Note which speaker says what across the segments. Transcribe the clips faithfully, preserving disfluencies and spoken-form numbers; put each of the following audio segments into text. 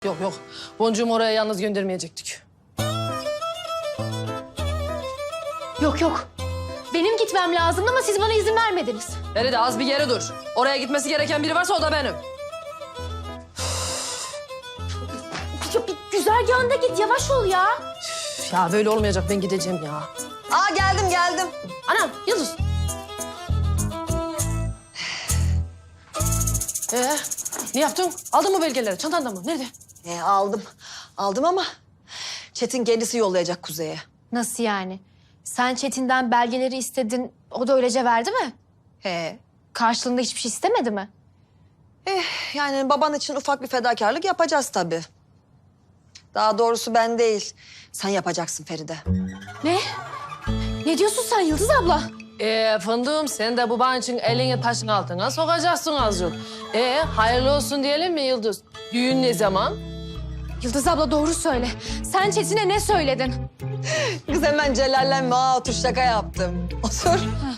Speaker 1: Yok yok. Boncuğumu oraya yalnız göndermeyecektik.
Speaker 2: Yok yok. Benim gitmem lazımdı ama siz bana izin vermediniz.
Speaker 1: Feride az bir yere dur. Oraya gitmesi gereken biri varsa o da benim.
Speaker 2: Ya bir güzergahında git, yavaş ol ya.
Speaker 1: Üf, ya böyle olmayacak, ben gideceğim ya.
Speaker 3: Aa geldim geldim.
Speaker 1: Anam, Yıldız. Ee, ne yaptın? Aldın mı belgeleri? Çantanda mı? Nerede?
Speaker 3: E, aldım. Aldım ama Çetin kendisi yollayacak Kuzey'e.
Speaker 2: Nasıl yani? Sen Çetin'den belgeleri istedin, o da öylece verdi mi?
Speaker 3: He.
Speaker 2: Karşılığında hiçbir şey istemedi mi?
Speaker 3: Eh, yani baban için ufak bir fedakarlık yapacağız tabii. Daha doğrusu ben değil. Sen yapacaksın Feride.
Speaker 2: Ne? Ne diyorsun sen Yıldız abla?
Speaker 1: Ee, fındığım sen de baban için elini taşın altına sokacaksın azıcık. Ee, hayırlı olsun diyelim mi Yıldız? Düğün ne zaman?
Speaker 2: Yıldız abla doğru söyle. Sen Çetin'e ne söyledin?
Speaker 3: Kız hemen celallenme. Aa, otur şaka yaptım. Otur.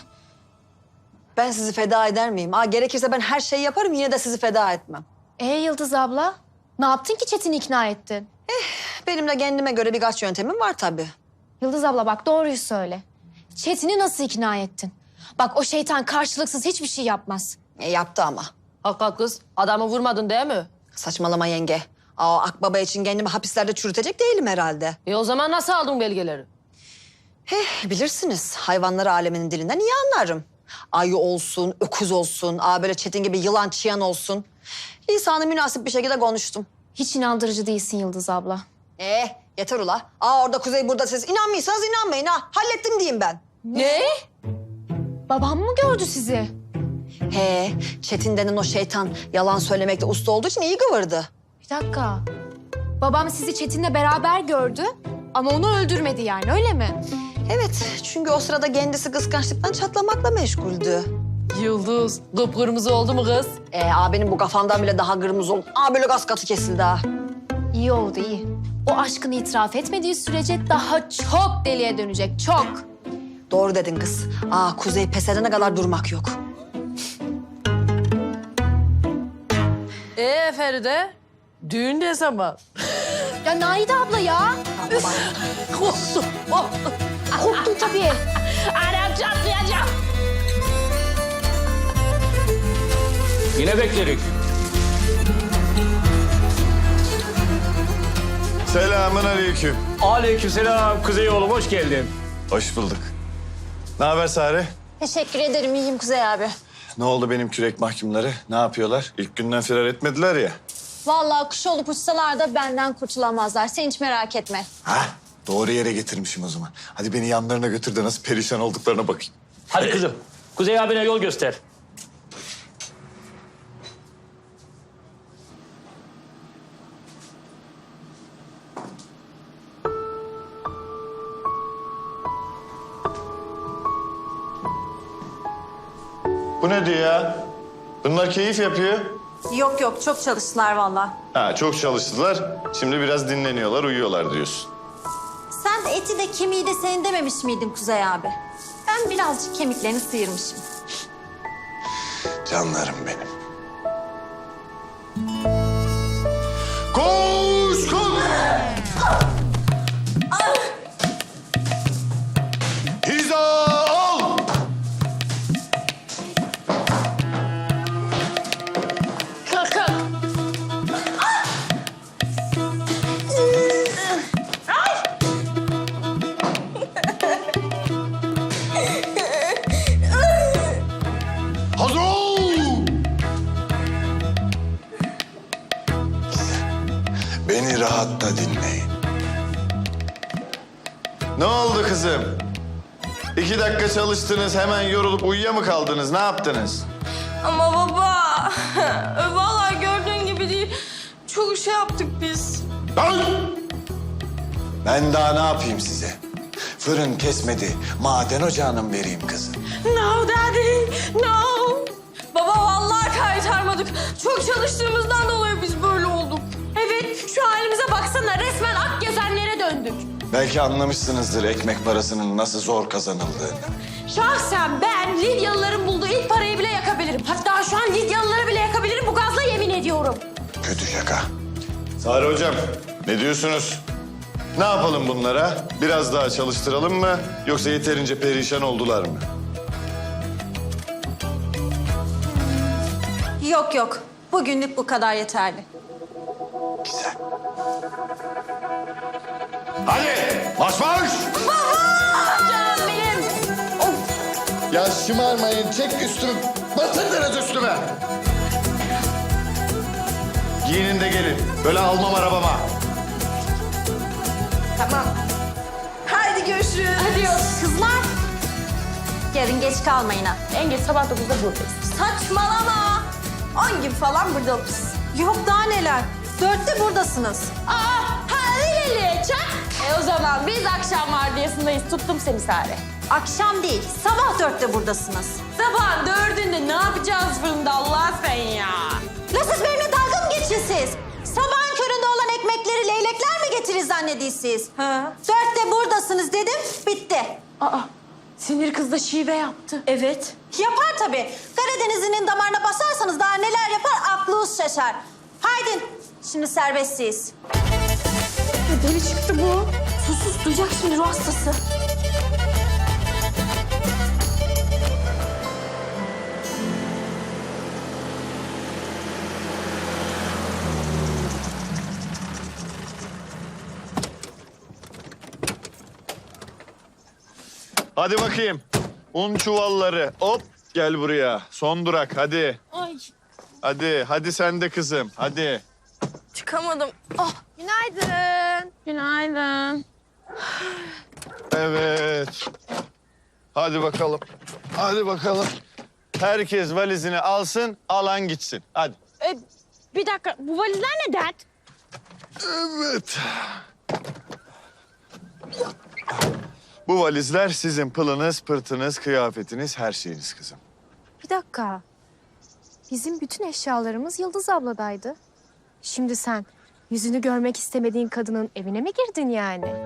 Speaker 3: Ben sizi feda eder miyim? Aa, gerekirse ben her şeyi yaparım, yine de sizi feda etmem.
Speaker 2: Ee Yıldız abla, ne yaptın ki Çetin'i ikna ettin?
Speaker 3: Benim de kendime göre birkaç yöntemim var tabii.
Speaker 2: Yıldız abla bak doğruyu söyle. Çetin'i nasıl ikna ettin? Bak o şeytan karşılıksız hiçbir şey yapmaz.
Speaker 3: E, yaptı ama.
Speaker 1: Hakikat kız, adamı vurmadın değil mi?
Speaker 3: Saçmalama yenge. Aa, Akbaba için kendimi hapislerde çürütecek değilim herhalde.
Speaker 1: E o zaman nasıl aldın belgeleri?
Speaker 3: Heh, bilirsiniz. Hayvanlar aleminin dilinden iyi anlarım. Ayı olsun, öküz olsun, aa böyle Çetin gibi yılan çıyan olsun. Lisanı münasip bir şekilde konuştum.
Speaker 2: Hiç inandırıcı değilsin Yıldız abla.
Speaker 3: Eh, yeter ula. Aa, orada Kuzey, burada siz. İnanmıyorsanız inanmayın ha. Hallettim diyeyim ben.
Speaker 1: Ne?
Speaker 2: Babam mı gördü sizi?
Speaker 3: He, Çetin denen o şeytan yalan söylemekte usta olduğu için iyi kıvırdı.
Speaker 2: Bir dakika. Babam sizi Çetin'le beraber gördü ama onu öldürmedi yani öyle mi?
Speaker 3: Evet, çünkü o sırada kendisi kıskançlıktan çatlamakla meşguldü.
Speaker 1: Yıldız, kıpkırmızı oldu mu kız?
Speaker 3: Ee, abinin bu kafandan bile daha kırmızı oldu. Aa, böyle gaz katı kesildi ha.
Speaker 2: İyi oldu iyi. O aşkını itiraf etmediği sürece daha çok deliye dönecek çok.
Speaker 3: Doğru dedin kız. Aa, Kuzey pes edene kadar durmak yok.
Speaker 1: Ee Feride, düğün ne zaman?
Speaker 2: Ya Naide abla ya. Üf.
Speaker 1: Korktum, korktum.
Speaker 2: Korktun tabii.
Speaker 1: Anam çatlayacağım.
Speaker 4: Yine beklerik.
Speaker 5: Selamun aleyküm.
Speaker 4: Aleykümselam Kuzey oğlum, hoş geldin.
Speaker 5: Hoş bulduk. Ne haber Sare?
Speaker 2: Teşekkür ederim iyiyim Kuzey abi.
Speaker 5: Ne oldu benim kürek mahkumları? Ne yapıyorlar? İlk günden firar etmediler ya.
Speaker 6: Vallahi kuş olup uçsalar da benden kurtulamazlar. Sen hiç merak etme.
Speaker 5: Ha? Doğru yere getirmişim o zaman. Hadi beni yanlarına götür de nasıl perişan olduklarına bakayım.
Speaker 4: Hadi kızım, Kuzey abine yol göster.
Speaker 5: Bu ne diyor ya? Bunlar keyif yapıyor.
Speaker 6: Yok yok çok çalıştılar vallahi.
Speaker 5: Ha, çok çalıştılar. Şimdi biraz dinleniyorlar, uyuyorlar diyorsun.
Speaker 6: Sen de eti de kemiği de senin dememiş miydin Kuzey abi? Ben birazcık kemiklerini sıyırmışım.
Speaker 5: Canlarım benim. Koş, koş! Hiza al!
Speaker 1: Kalk kalk.
Speaker 5: Hazır ol! Beni rahatta dinleyin. Ne oldu kızım? İki dakika çalıştınız, hemen yorulup uyuya mı kaldınız? Ne yaptınız?
Speaker 7: Ama baba, vallahi gördüğün gibi değil. Çok şey yaptık biz.
Speaker 5: Lan! Ben daha ne yapayım size? Fırın kesmedi, maden ocağına mı vereyim kızı?
Speaker 7: No daddy, no. Baba vallahi kaytarmadık. Çok çalıştığımızdan dolayı biz böyle olduk. Evet, şu halimize baksana. Resmen ak gezenlere döndük.
Speaker 5: Belki anlamışsınızdır ekmek parasının nasıl zor kazanıldığını.
Speaker 7: Şahsen ben Lidyalıların bulduğu ilk parayı bile yakabilirim. Hatta şu an Lidyalıları bile yakabilirim bu gazla yemin ediyorum.
Speaker 5: Kötü şaka. Sare hocam, ne diyorsunuz? Ne yapalım bunlara? Biraz daha çalıştıralım mı? Yoksa yeterince perişan oldular mı?
Speaker 6: Yok yok. Bugünlük bu kadar yeterli.
Speaker 5: Güzel. Hadi, marş marş!
Speaker 7: Canım benim.
Speaker 5: Ya şımarmayın, çek üstümü. Basın biraz üstüme. Giyinin de gelin. Böyle almam arabama.
Speaker 6: Tamam. Haydi görüşürüz. Hadi kızlar. Yarın geç kalmayın ha.
Speaker 7: En geç sabah dokuzda buradayız.
Speaker 6: Saçmalama. On gibi falan burada oluruz. Yok daha neler. Dörtte buradasınız.
Speaker 7: Aa, hadi çak. E o zaman biz akşam vardiyasındayız. Tuttum seni Sare.
Speaker 6: Akşam değil, sabah dörtte buradasınız.
Speaker 7: Sabahın dördünde ne yapacağız fırında Allah sen ya?
Speaker 6: La siz benimle dalga mı geçiyorsunuz? Sabahın köründe olan ekmekleri leylekler mi getirir zannediyorsunuz? Ha. Dörtte buradasınız dedim, bitti.
Speaker 7: Aa, sinir kız da şive yaptı.
Speaker 6: Evet. Yapar tabii. Karadeniz'in damarına basarsanız daha neler yapar aklınız şaşar. Haydi, şimdi serbestsiz.
Speaker 7: Deli çıktı bu. Sus sus duyacak şimdi ruh hastası.
Speaker 5: Hadi bakayım. Un çuvalları. Hop, gel buraya. Son durak, hadi.
Speaker 7: Ay
Speaker 5: Hadi, hadi sen de kızım, hadi.
Speaker 7: çıkamadım. Ah günaydın. Günaydın.
Speaker 5: Evet. Hadi bakalım. Hadi bakalım. Herkes valizini alsın, alan gitsin. Hadi.
Speaker 7: E, bir dakika bu valizler ne dert?
Speaker 5: Evet. Bu valizler sizin pılınız, pırtınız, kıyafetiniz, her şeyiniz kızım.
Speaker 2: Bir dakika. Bizim bütün eşyalarımız Yıldız abladaydı. Şimdi sen yüzünü görmek istemediğin kadının evine mi girdin yani?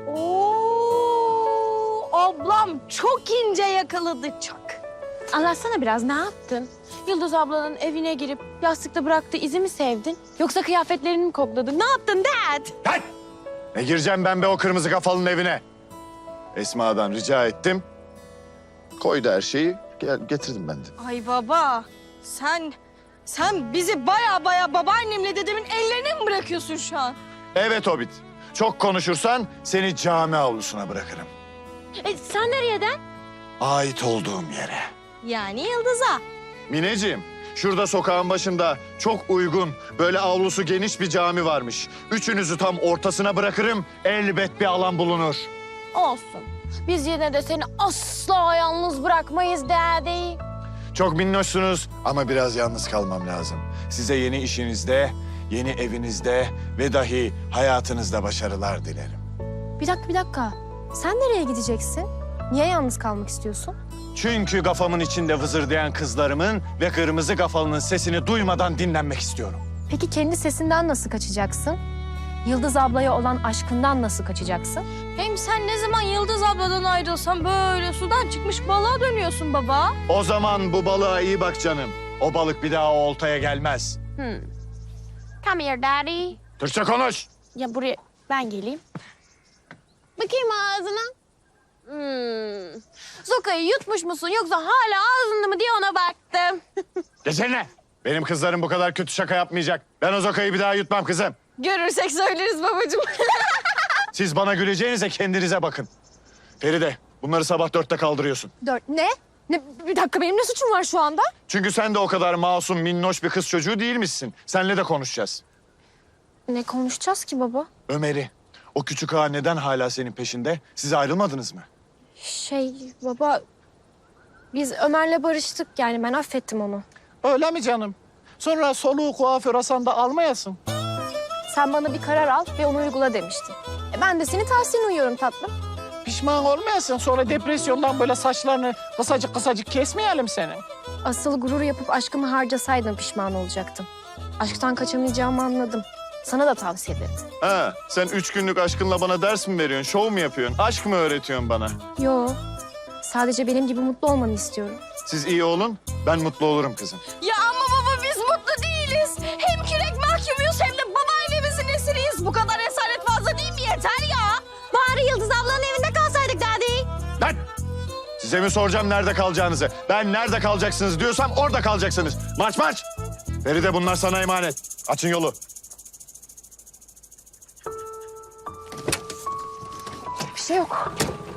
Speaker 7: Oo, ablam çok ince yakaladı çak. Anlatsana biraz ne yaptın? Yıldız ablanın evine girip yastıkta bıraktığı izi mi sevdin? Yoksa kıyafetlerini mi kokladın? Ne yaptın dad?
Speaker 5: Hey! Ne gireceğim ben be o kırmızı kafalının evine? Esma'dan rica ettim. Koydu her şeyi, gel, getirdim ben de.
Speaker 7: Ay baba sen sen bizi baya baya babaannemle dedemin ellerine mi bırakıyorsun şu an?
Speaker 5: Evet Hobbit, çok konuşursan seni cami avlusuna bırakırım.
Speaker 7: E, sen nereden?
Speaker 5: Ait olduğum yere.
Speaker 7: Yani Yıldız'a.
Speaker 5: Mineciğim, şurada sokağın başında çok uygun, böyle avlusu geniş bir cami varmış. Üçünüzü tam ortasına bırakırım, elbet bir alan bulunur.
Speaker 7: Olsun. Biz yine de seni asla yalnız bırakmayız daddy.
Speaker 5: Çok minnoşsunuz ama biraz yalnız kalmam lazım. Size yeni işinizde, yeni evinizde ve dahi hayatınızda başarılar dilerim.
Speaker 2: Bir dakika, bir dakika. Sen nereye gideceksin? Niye yalnız kalmak istiyorsun?
Speaker 5: Çünkü kafamın içinde vızırdayan kızlarımın ve kırmızı kafalının sesini duymadan dinlenmek istiyorum.
Speaker 2: Peki kendi sesinden nasıl kaçacaksın? Yıldız ablaya olan aşkından nasıl kaçacaksın?
Speaker 7: Hem sen ne zaman Yıldız abladan ayrılsan böyle sudan çıkmış balığa dönüyorsun baba.
Speaker 5: O zaman bu balığa iyi bak canım. O balık bir daha o oltaya gelmez.
Speaker 7: Hmm. Come here daddy.
Speaker 5: Türkçe konuş.
Speaker 7: Ya buraya ben geleyim. Bakayım ağzına. Hmm. Zoka'yı yutmuş musun yoksa hala ağzında mı diye ona baktım.
Speaker 5: Geçene. Benim kızlarım bu kadar kötü şaka yapmayacak. Ben o zokayı bir daha yutmam kızım.
Speaker 7: Görürsek söyleriz babacığım.
Speaker 5: Siz bana güleceğinize kendinize bakın. Feride, bunları sabah dörtte kaldırıyorsun.
Speaker 2: Dört. Ne? Ne? Bir dakika, benim ne suçum var şu anda?
Speaker 5: Çünkü sen de o kadar masum, minnoş bir kız çocuğu değilmişsin. Seninle de konuşacağız.
Speaker 2: Ne konuşacağız ki baba?
Speaker 5: Ömer'i, o küçük ağa neden hala senin peşinde? Siz ayrılmadınız mı?
Speaker 2: Şey baba, biz Ömer'le barıştık, yani ben affettim onu.
Speaker 8: Öyle mi canım? Sonra soluğu kuaför Hasan'da almayasın.
Speaker 2: Sen bana bir karar al ve onu uygula demiştin. E ben de senin tavsiyene uyuyorum tatlım.
Speaker 8: Pişman olmayasın. Sonra depresyondan böyle saçlarını kısacık kısacık kesmeyelim seni.
Speaker 2: Asıl gurur yapıp aşkımı harcasaydım pişman olacaktım. Aşktan kaçamayacağımı anladım. Sana da tavsiye ederim.
Speaker 5: Ha, sen üç günlük aşkınla bana ders mi veriyorsun, şov mu yapıyorsun, aşk mı öğretiyorsun bana?
Speaker 2: Yo, sadece benim gibi mutlu olmanı istiyorum.
Speaker 5: Siz iyi olun, ben mutlu olurum kızım.
Speaker 7: Ya ama baba biz mutlu değiliz. Hem kürek mahkumuyuz hem de babaannemizin bu kadar esaret fazla değil mi? Yeter ya. Bari Yıldız ablanın evinde kalsaydık Dadi.
Speaker 5: Lan! Size mi soracağım nerede kalacağınızı? Ben nerede kalacaksınız diyorsam orada kalacaksınız. Marş marş! Feride bunlar sana emanet. Açın yolu.
Speaker 2: Bir şey yok.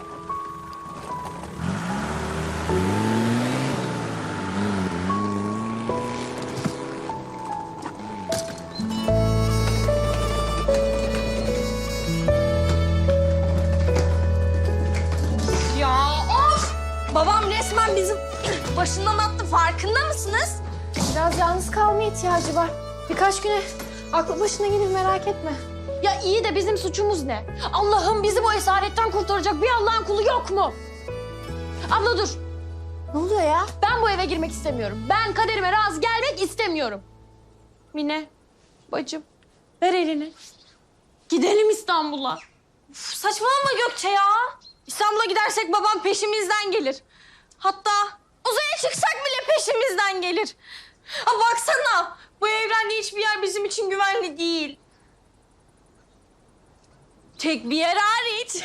Speaker 7: Ya of! Babam resmen bizim başından attı. Farkında mısınız?
Speaker 2: Biraz yalnız kalmaya ihtiyacı var. Birkaç güne aklı başına gelir, merak etme.
Speaker 7: Ya iyi de bizim suçumuz ne? Allah'ım bizi bu esaretten kurtaracak bir Allah'ın kulu yok mu? Abla dur.
Speaker 2: Ne oluyor ya?
Speaker 7: Ben bu eve girmek istemiyorum. Ben kaderime razı gelmek istemiyorum. Mine, bacım ver elini. Gidelim İstanbul'a. Uf, saçmalama Gökçe ya. İstanbul'a gidersek babam peşimizden gelir. Hatta uzaya çıksak bile peşimizden gelir. Ha baksana, bu evrende hiçbir yer bizim için güvenli değil. Tek bir yer hariç.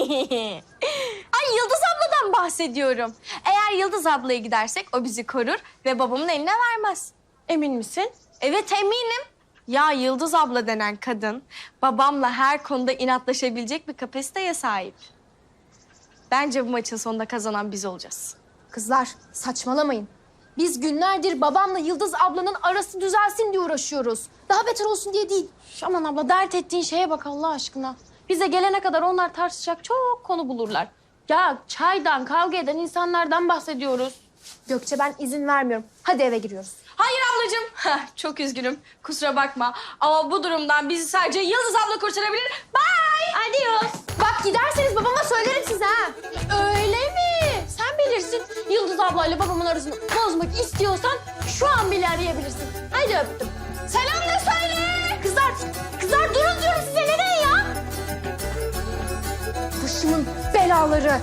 Speaker 7: Ay Yıldız abladan bahsediyorum. Eğer Yıldız ablaya gidersek o bizi korur ve babamın eline vermez. Emin misin? Evet eminim. Ya Yıldız abla denen kadın babamla her konuda inatlaşabilecek bir kapasiteye sahip. Bence bu maçın sonunda kazanan biz olacağız.
Speaker 2: Kızlar saçmalamayın. Biz günlerdir babamla Yıldız ablanın arası düzelsin diye uğraşıyoruz. Daha beter olsun diye değil.
Speaker 7: Şş, aman abla dert ettiğin şeye bak Allah aşkına. Bize gelene kadar onlar tartışacak çok konu bulurlar. Ya çaydan, kavga eden insanlardan bahsediyoruz.
Speaker 2: Gökçe ben izin vermiyorum. Hadi eve giriyoruz.
Speaker 7: Hayır ablacığım. Heh, çok üzgünüm. Kusura bakma. Ama bu durumdan bizi sadece Yıldız abla kurtarabilir. Bye. Adios.
Speaker 2: Bak giderseniz babama söylerim size ha.
Speaker 7: Öyle mi? Sen bilirsin. Yıldız ablayla babamın arasını bozmak istiyorsan şu an bile arayabilirsin. Hadi öptüm. Selam da söyle. Kızlar, kızlar durun diyorum size. Nereye ya?
Speaker 2: Başımın belaları.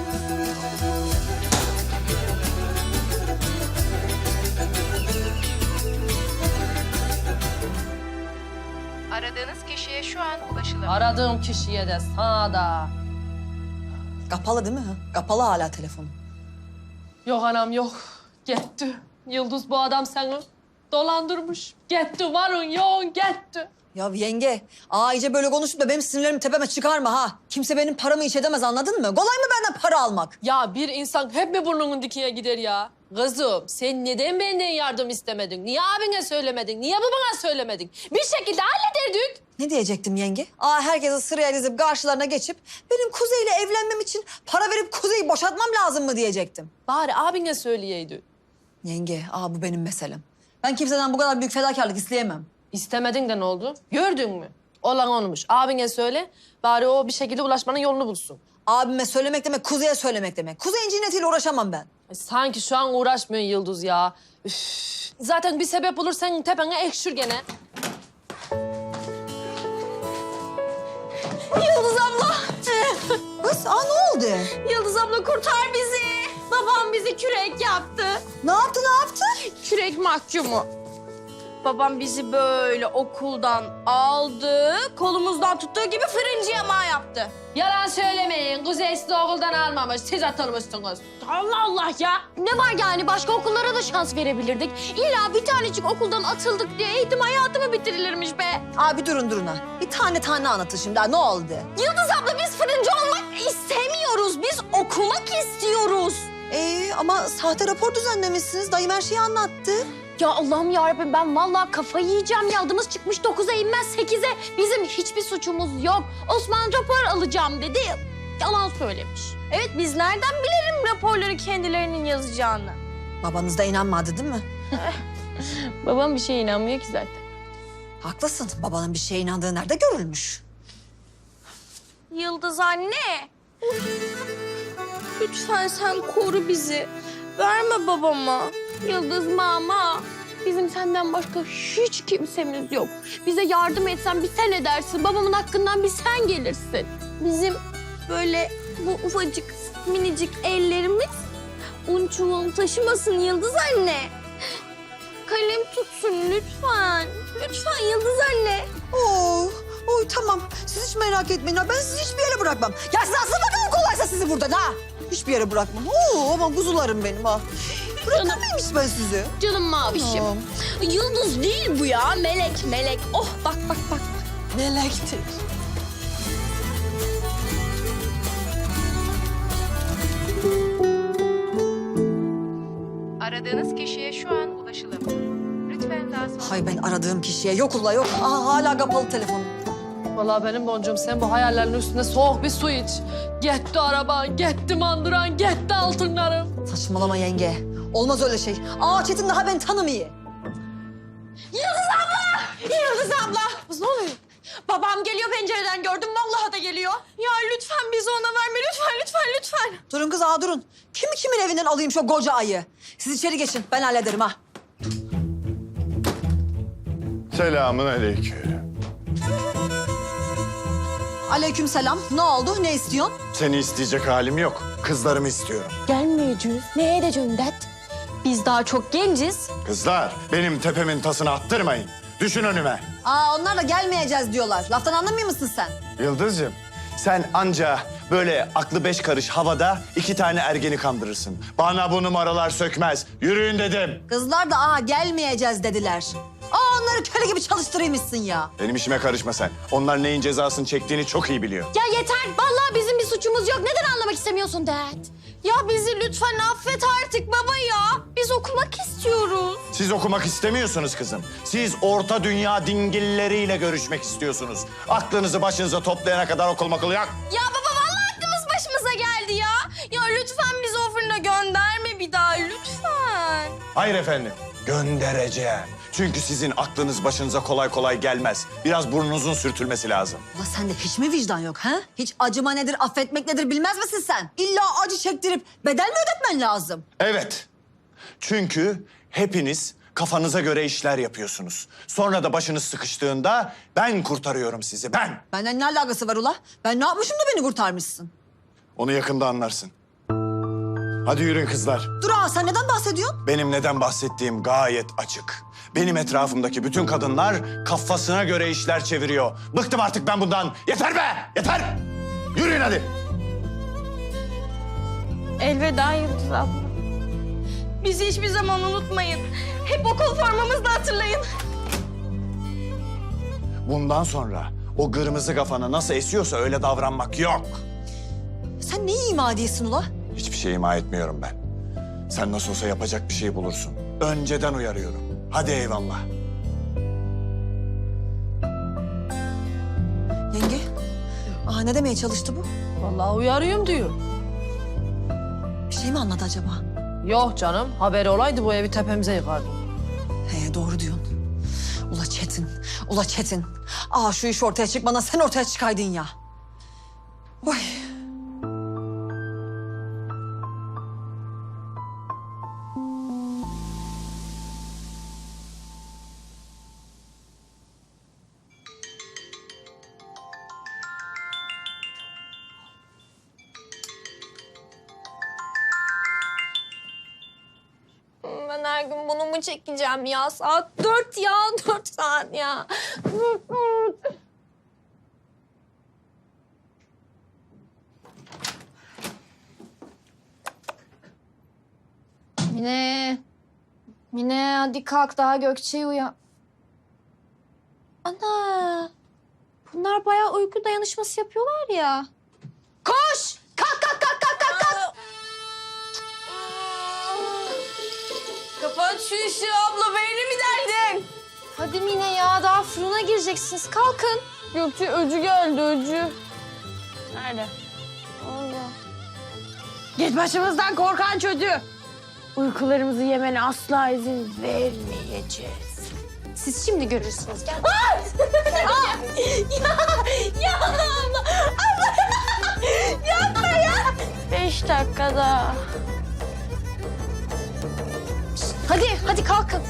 Speaker 9: Aradığınız kişiye şu an ulaşılamıyor.
Speaker 1: Aradığım kişiye de sağda.
Speaker 3: Kapalı değil mi? Kapalı hala telefon.
Speaker 1: Yok anam yok. Gitti. Yıldız bu adam seni dolandırmış. Gitti varın yoğun gitti.
Speaker 3: Ya yenge, aa iyice böyle konuşup da benim sinirlerimi tepeme çıkarma ha. Kimse benim paramı hiç edemez anladın mı? Kolay mı benden para almak?
Speaker 1: Ya bir insan hep mi burnunun dikiye gider ya? Kızım sen neden benden yardım istemedin? Niye abine söylemedin? Niye babana söylemedin? Bir şekilde hallederdik.
Speaker 3: Ne diyecektim yenge? Aa herkese sıraya dizip karşılarına geçip benim Kuzey'le evlenmem için para verip Kuzey'i boşatmam lazım mı diyecektim.
Speaker 1: Bari abine söyleyeydi.
Speaker 3: Yenge, aa bu benim meselem. Ben kimseden bu kadar büyük fedakarlık isteyemem.
Speaker 1: İstemedin de ne oldu? Gördün mü? Olan olmuş. Abine söyle. Bari o bir şekilde ulaşmanın yolunu bulsun.
Speaker 3: Abime söylemek demek, Kuzey'e söylemek demek. Kuzey'in cinnetiyle uğraşamam ben.
Speaker 1: Ay, sanki şu an uğraşmıyor Yıldız ya. Üf. Zaten bir sebep olur senin tepene ekşür gene.
Speaker 7: Yıldız abla.
Speaker 3: Kız, aa ne oldu?
Speaker 7: Yıldız abla kurtar bizi. Babam bizi kürek yaptı.
Speaker 3: Ne yaptı, ne yaptı?
Speaker 7: Kürek mahkumu. Babam bizi böyle okuldan aldı, kolumuzdan tuttuğu gibi fırıncı yamağı yaptı.
Speaker 1: Yalan söylemeyin. Kuzey sizi okuldan almamış. Siz atılmışsınız.
Speaker 7: Allah Allah ya. Ne var yani başka okullara da şans verebilirdik. İlla bir tanecik okuldan atıldık diye eğitim hayatı mı bitirilirmiş be?
Speaker 3: Abi durun durun ha. Bir tane tane anlatın şimdi. Ha, ne oldu?
Speaker 7: Yıldız abla biz fırıncı olmak istemiyoruz. Biz okumak istiyoruz.
Speaker 3: Ee, ama sahte rapor düzenlemişsiniz. Dayım her şeyi anlattı.
Speaker 7: Ya Allah'ım yarabbim ben vallahi kafayı yiyeceğim ya. Adımız çıkmış dokuza inmez sekize. Bizim hiçbir suçumuz yok. Osman rapor alacağım dedi. Yalan söylemiş. Evet biz nereden bilelim raporları kendilerinin yazacağını?
Speaker 3: Babanız da inanmadı değil mi?
Speaker 7: Babam bir şeye inanmıyor ki zaten.
Speaker 3: Haklısın. Babanın bir şeye inandığı nerede görülmüş?
Speaker 7: Yıldız anne. Lütfen sen koru bizi. Verme babama. Yıldız mama. Bizim senden başka hiç kimsemiz yok. Bize yardım etsen bir sen edersin. Babamın hakkından bir sen gelirsin. Bizim böyle bu ufacık minicik ellerimiz un çuvalı taşımasın Yıldız anne. Kalem tutsun lütfen. Lütfen Yıldız anne.
Speaker 3: Oh, Oy tamam. Siz hiç merak etmeyin ha. Ben sizi hiçbir yere bırakmam. Ya siz aslında bakalım kolaysa sizi buradan ha. Hiçbir yere bırakmam. Oo aman kuzularım benim ha. Bırakır mıyım hiç ben sizi?
Speaker 7: Canım mavişim.
Speaker 3: Tamam.
Speaker 7: Yıldız değil bu ya. Melek, melek. Oh bak bak bak.
Speaker 3: Melektir.
Speaker 2: Aradığınız kişiye şu an ulaşılamıyor. Lütfen daha sonra...
Speaker 3: Hay ben aradığım kişiye yok ula yok. Aa, hala kapalı telefon.
Speaker 1: Vallahi benim boncuğum sen bu hayallerin üstüne soğuk bir su iç. Gitti araban, gitti mandıran, gitti altınlarım.
Speaker 3: Saçmalama yenge. Olmaz öyle şey. Aa Çetin daha beni tanımıyor.
Speaker 7: Yıldız abla! Yıldız abla! Kız ne oluyor? Babam geliyor pencereden gördüm. Vallahi da geliyor. Ya lütfen bizi ona verme. Lütfen, lütfen, lütfen.
Speaker 3: Durun kız aa durun. Kimi kimin evinden alayım şu koca ayı? Siz içeri geçin ben hallederim ha.
Speaker 5: Selamun aleyküm.
Speaker 3: Aleykümselam. Ne oldu? Ne istiyorsun?
Speaker 5: Seni isteyecek halim yok. Kızlarımı istiyorum.
Speaker 7: Gelmeyeceğiz. Ne edeceğim dert? Biz daha çok genciz.
Speaker 5: Kızlar benim tepemin tasını attırmayın. Düşün önüme.
Speaker 3: Aa onlar da gelmeyeceğiz diyorlar. Laftan anlamıyor musun sen?
Speaker 5: Yıldız'cığım sen anca böyle aklı beş karış havada iki tane ergeni kandırırsın. Bana bu numaralar sökmez. Yürüyün dedim.
Speaker 3: Kızlar da aa gelmeyeceğiz dediler. Aa onları köle gibi çalıştırıymışsın ya.
Speaker 5: Benim işime karışma sen. Onlar neyin cezasını çektiğini çok iyi biliyor.
Speaker 7: Ya yeter. Vallahi bizim bir suçumuz yok. Neden anlamak istemiyorsun dert? Ya bizi lütfen affet artık baba ya. Biz okumak istiyoruz.
Speaker 5: Siz okumak istemiyorsunuz kızım. Siz orta dünya dingilleriyle görüşmek istiyorsunuz. Aklınızı başınıza toplayana kadar okul makul yok.
Speaker 7: Ya baba vallahi aklımız başımıza geldi ya. Ya lütfen bizi o fırına gönderme bir daha lütfen.
Speaker 5: Hayır efendim, göndereceğim. Çünkü sizin aklınız başınıza kolay kolay gelmez. Biraz burnunuzun sürtülmesi lazım.
Speaker 3: Ulan sende hiç mi vicdan yok ha? Hiç acıma nedir, affetmek nedir bilmez misin sen? İlla acı çektirip bedel mi ödetmen lazım?
Speaker 5: Evet. Çünkü hepiniz kafanıza göre işler yapıyorsunuz. Sonra da başınız sıkıştığında ben kurtarıyorum sizi, ben.
Speaker 3: Benden ne alakası var ula? Ben ne yapmışım da beni kurtarmışsın?
Speaker 5: Onu yakında anlarsın. Hadi yürüyün kızlar.
Speaker 3: Dur aa sen neden bahsediyorsun?
Speaker 5: Benim neden bahsettiğim gayet açık. Benim etrafımdaki bütün kadınlar kafasına göre işler çeviriyor. Bıktım artık ben bundan. Yeter be! Yeter! Yürüyün hadi.
Speaker 7: Elveda Yıldız abla. Bizi hiçbir zaman unutmayın. Hep okul formamızda hatırlayın.
Speaker 5: Bundan sonra o kırmızı kafana nasıl esiyorsa öyle davranmak yok.
Speaker 3: Sen neyi ima ediyorsun ula?
Speaker 5: Hiçbir şey ima etmiyorum ben. Sen nasıl olsa yapacak bir şey bulursun. Önceden uyarıyorum. Hadi eyvallah.
Speaker 3: Yenge, aa ne demeye çalıştı bu?
Speaker 1: Vallahi uyarıyorum diyor.
Speaker 3: Bir şey mi anladı acaba?
Speaker 1: Yok canım, haberi olaydı bu evi tepemize yıkardı.
Speaker 3: He doğru diyorsun. Ula Çetin, ula Çetin. Aa şu iş ortaya çıkmadan sen ortaya çıkaydın ya. Oy.
Speaker 7: Ben her gün bunu mu çekeceğim ya? Saat dört ya, dört saat ya. Dört, dört.
Speaker 2: Mine. Mine hadi kalk daha Gökçe'yi uyan. Ana. Bunlar bayağı uyku dayanışması yapıyorlar ya.
Speaker 7: Koş! Kalk, kalk, kalk, kalk, kalk, kalk. Kapat şu işi abla, beynimi derdin.
Speaker 2: Hadi Mine ya daha fırına gireceksiniz kalkın.
Speaker 7: Gökçe öcü geldi, öcü. Nerede?
Speaker 2: Allah.
Speaker 7: Git başımızdan korkan çocuğu. Uykularımızı yemene asla izin vermeyeceğiz.
Speaker 2: Siz şimdi görürsünüz. Gel.
Speaker 7: ya, ya abla, abla. Yapma ya. Beş dakikada.
Speaker 2: Hadi hadi kalkın.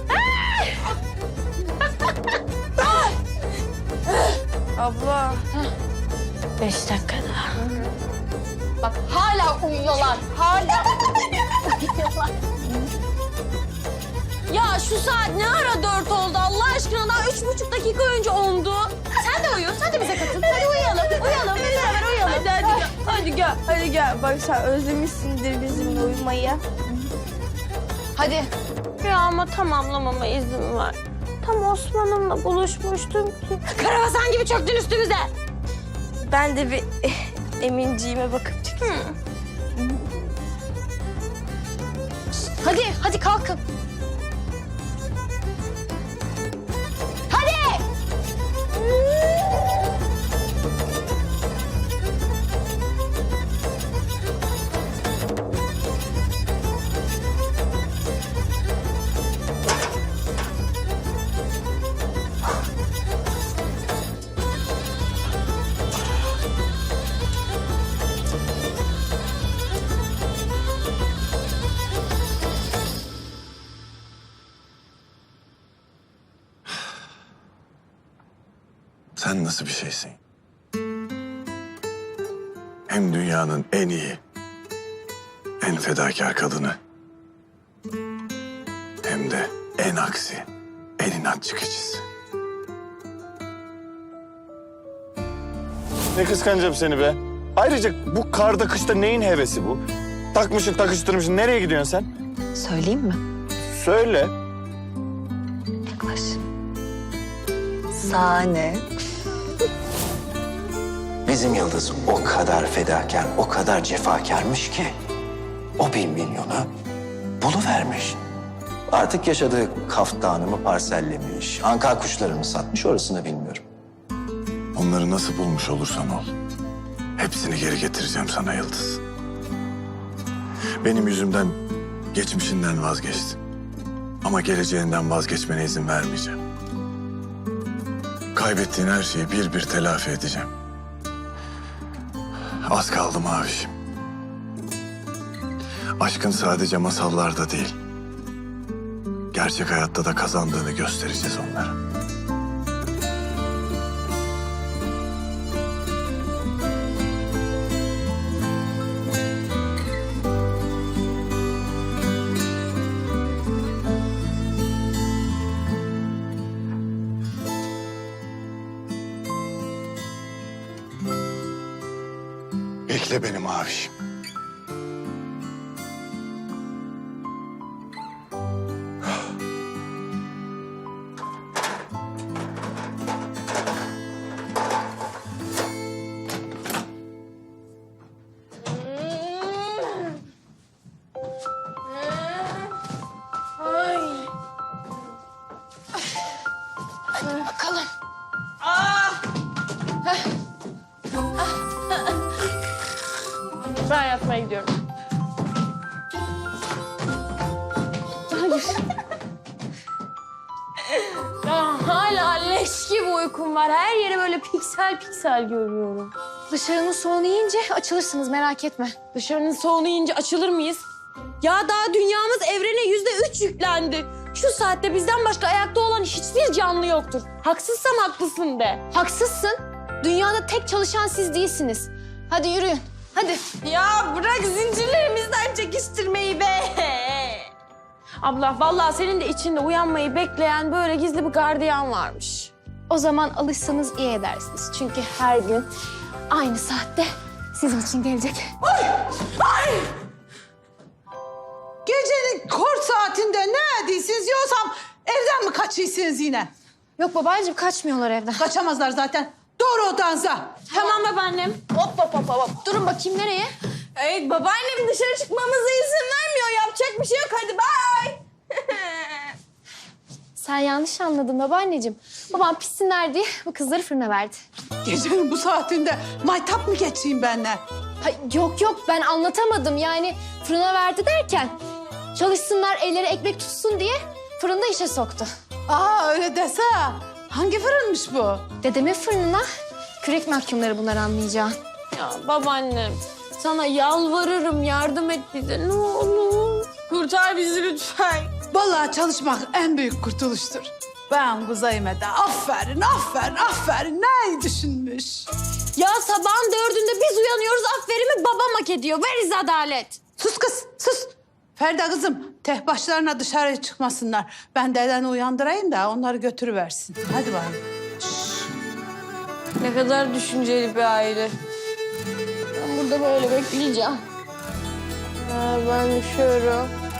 Speaker 7: Abla. Beş dakikada. Bak hala uyuyorlar. Hala uyuyorlar. Ya şu saat ne ara dört oldu Allah aşkına? Daha üç buçuk dakika önce ondu. Sen de uyu. Sen de bize katıl. Hadi uyuyalım. Uyuyalım. Hep beraber uyuyalım. Hadi hadi gel. Hadi gel. Hadi gel. Bak sen özlemişsindir bizimle uyumayı.
Speaker 2: Hadi.
Speaker 7: Ya ama tamamlamama izin ver. Tam Osman'ımla buluşmuştum ki. Karabasan gibi çöktün üstümüze. Ben de bir eh, Eminciğime bakıp çıkayım.
Speaker 2: Hadi, hadi kalkın. Hadi!
Speaker 9: Sen nasıl bir şeysin? Hem dünyanın en iyi, en fedakar kadını. Hem de en aksi, en inatçı keçisi.
Speaker 5: Ne kıskanacağım seni be. Ayrıca bu karda kışta neyin hevesi bu? Takmışsın takıştırmışsın. Nereye gidiyorsun sen?
Speaker 3: Söyleyeyim mi?
Speaker 5: Söyle.
Speaker 3: Yaklaş. Sahne.
Speaker 10: Bizim Yıldız o kadar fedakar, o kadar cefakarmış ki o bir milyonu buluvermiş. Artık yaşadığı kaftanımı parsellemiş, anka kuşlarını satmış, orasını bilmiyorum.
Speaker 9: Onları nasıl bulmuş olursan ol. Hepsini geri getireceğim sana Yıldız. Benim yüzümden geçmişinden vazgeçtin. Ama geleceğinden vazgeçmene izin vermeyeceğim. Kaybettiğin her şeyi bir bir telafi edeceğim. Az kaldı Mavişim. Aşkın sadece masallarda değil, gerçek hayatta da kazandığını göstereceğiz onlara. Bekle beni Mavişim.
Speaker 2: Bakalım.
Speaker 7: Ben yatmaya gidiyorum. Hayır. Ya hala leş gibi uykum var. Her yeri böyle piksel piksel görüyorum.
Speaker 2: Dışarının soğunu yiyince açılırsınız, merak etme.
Speaker 7: Dışarının soğunu yiyince açılır mıyız? Ya daha dünyamız evrene yüzde üç yüklendi. Şu saatte bizden başka ayakta olan hiçbir canlı yoktur. Haksızsam haklısın de.
Speaker 2: Haksızsın. Dünyada tek çalışan siz değilsiniz. Hadi yürüyün. Hadi.
Speaker 7: Ya bırak zincirlerimizden çekiştirmeyi be. Abla vallahi senin de içinde uyanmayı bekleyen böyle gizli bir gardiyan varmış.
Speaker 2: O zaman alışsanız iyi edersiniz. Çünkü her gün aynı saatte sizin için gelecek.
Speaker 11: Gecenin kor saatinde ne ediyorsunuz yoksam evden mi kaçıyorsunuz yine?
Speaker 2: Yok babacığım, kaçmıyorlar evden.
Speaker 11: Kaçamazlar zaten. Doğru odanıza.
Speaker 7: Tamam babaannem.
Speaker 2: Hop hop hop hop. Durun bakayım, nereye?
Speaker 7: Evet babaannem dışarı çıkmamıza izin vermiyor. Yapacak bir şey yok. Hadi bay.
Speaker 2: Sen yanlış anladın babaanneciğim. Babam pişsinler diye bu kızları fırına verdi.
Speaker 11: Gecenin bu saatinde maytap mı geçeyim benimle?
Speaker 2: Ha, yok yok, ben anlatamadım. Yani fırına verdi derken çalışsınlar, elleri ekmek tutsun diye fırında işe soktu.
Speaker 11: Aa öyle dese. Hangi fırınmış bu?
Speaker 2: Dedemin fırınına kürek mahkumları bunlar, anlayacağın.
Speaker 7: Ya babaannem sana yalvarırım, yardım et bize ne olur. Kurtar bizi lütfen.
Speaker 11: Vallahi çalışmak en büyük kurtuluştur. Ben Kuzey'ime de aferin, aferin, aferin. Ne düşünmüş?
Speaker 7: Ya sabahın dördünde biz uyanıyoruz, aferimi babam hak ediyor. Veriz adalet.
Speaker 11: Sus kız, sus. Ferda kızım, tek başlarına dışarı çıkmasınlar. Ben dedeni uyandırayım da onları götürüversin. Hadi bakalım.
Speaker 7: Ne kadar düşünceli bir aile. Ben burada böyle bekleyeceğim. Ha, ben düşüyorum.